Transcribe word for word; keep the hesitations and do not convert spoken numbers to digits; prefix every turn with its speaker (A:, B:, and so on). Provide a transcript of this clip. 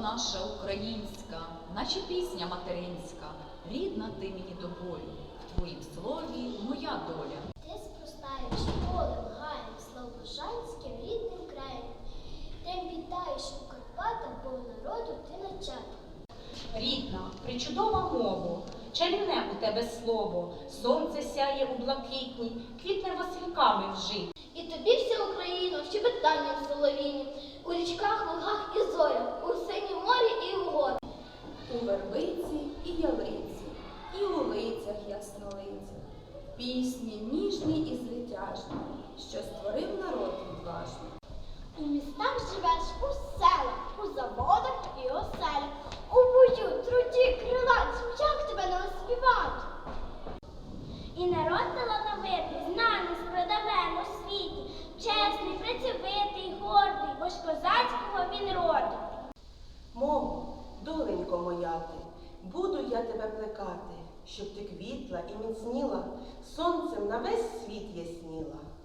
A: наша українська, наче пісня материнська, рідна ти мені до болю, в твоїм слові моя доля.
B: Ти спростаєш полем, гаєм, слобожанським рідним краєм. Тим вітаєш у Карпатах, бо народу ти начаток.
C: Рідна, причудова мова, чарівне у тебе слово, сонце сяє у блакитні, квітне васильками вжить.
B: І тобі вся Україна, щебетання в соловіні, у річках, лугах і зорях, у синім морі і у горі.
D: У вербиці і ялиці, і у лицях яснолицях, пісні ніжні і звитяжні, що створив народ відважний.
B: У містах живеш, у селах, у заводах і оселях, у бою, труді, крилатцям, як тебе не оспівати? І народ талановитий, знаний, спродавен у світі, чесний, працьовитий, гордий, бо ж козацького він роду.
E: Мово, доленько моя ти, буду я тебе плекати, щоб ти квітла і міцніла, сонцем на весь світ ясніла.